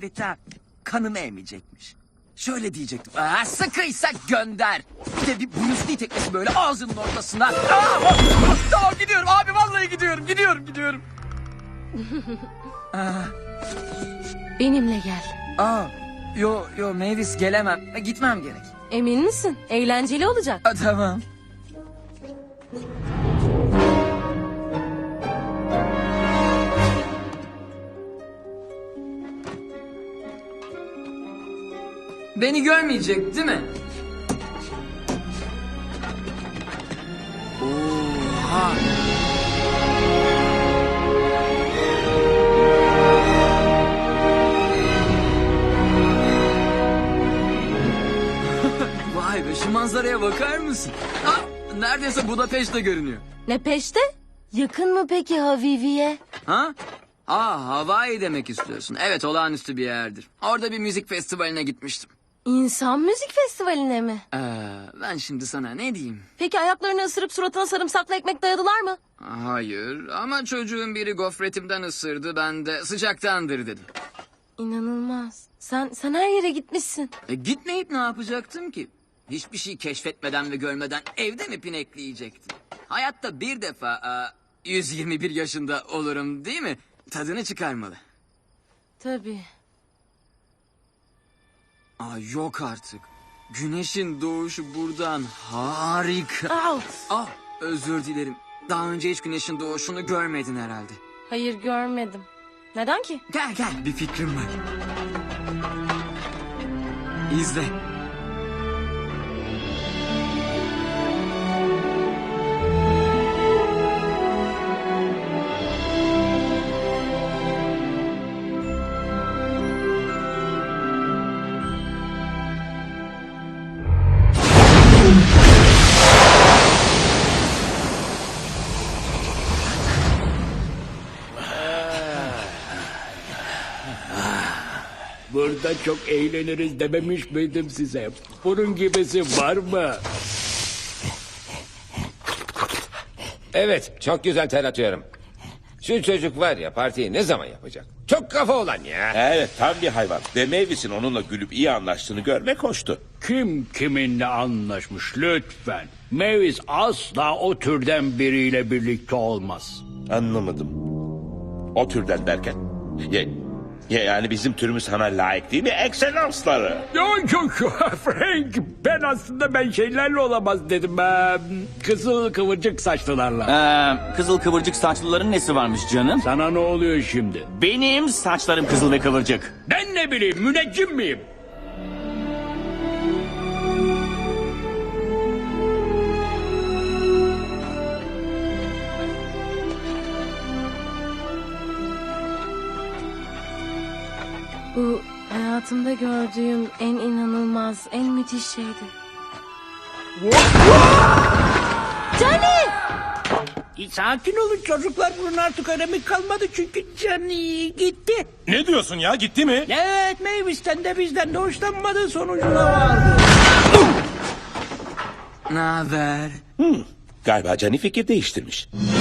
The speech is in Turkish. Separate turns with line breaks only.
şehvete kanımı emecekmiş. Şöyle diyecektim. Aa, sıkıysa gönder. Bir de bir Bruce Lee tekmesi böyle ağzının ortasına. Tamam gidiyorum abi, vallahi gidiyorum.
Benimle gel.
Yo Mavis, gelemem. Gitmem gerek.
Emin misin? Eğlenceli olacak.
Tamam. Beni görmeyecek değil mi? Oha. Vay be, şu manzaraya bakar mısın? Neredeyse Budapeşte görünüyor.
Ne peşte? Yakın mı peki Havivi'ye?
Ha? Hawaii demek istiyorsun. Evet, olağanüstü bir yerdir. Orada bir müzik festivaline gitmiştim.
İnsan müzik festivaline mi?
Ben şimdi sana ne diyeyim?
Peki ayaklarını ısırıp suratına sarımsaklı ekmek dayadılar mı?
Hayır, ama çocuğun biri gofretimden ısırdı, ben de sıcaktandır dedim.
İnanılmaz. Sen her yere gitmişsin.
Gitmeyip ne yapacaktım ki? Hiçbir şey keşfetmeden ve görmeden evde mi pinekleyecektim? Hayatta bir defa 121 yaşında olurum, değil mi? Tadını çıkarmalı.
Tabii.
Yok artık. Güneşin doğuşu buradan harika. Özür dilerim. Daha önce hiç güneşin doğuşunu görmedin herhalde.
Hayır, görmedim. Neden ki?
Gel, bir fikrim var. İzle.
Burada çok eğleniriz dememiş miydim size? Bunun gibisi var mı?
Evet, çok güzel ter atıyorum. Şu çocuk var ya, partiyi ne zaman yapacak? Çok kafa olan ya.
Evet, tam bir hayvan. Ve Mavis'in onunla gülüp iyi anlaştığını görmek hoştu.
Kim kiminle anlaşmış lütfen? Mavis asla o türden biriyle birlikte olmaz.
Anlamadım. O türden derken? Yani bizim türümüz sana layık değil mi? Ekselansları.
Yok Frank, ben şeylerle olamaz dedim. Kızıl kıvırcık saçlılarla.
Kızıl kıvırcık saçlıların nesi varmış canım?
Sana ne oluyor şimdi?
Benim saçlarım kızıl ve kıvırcık.
Ben ne bileyim, müneccim miyim?
Bu hayatımda gördüğüm en inanılmaz, en müthiş şeydi. Johnny!
Sakin olun çocuklar, bunun artık önemi kalmadı çünkü Johnny gitti.
Ne diyorsun ya? Gitti mi?
Evet, Mavis'ten de bizden de hoşlanmadığı sonucuna vardı.
Ne haber?
Galiba Cani fikir değiştirmiş.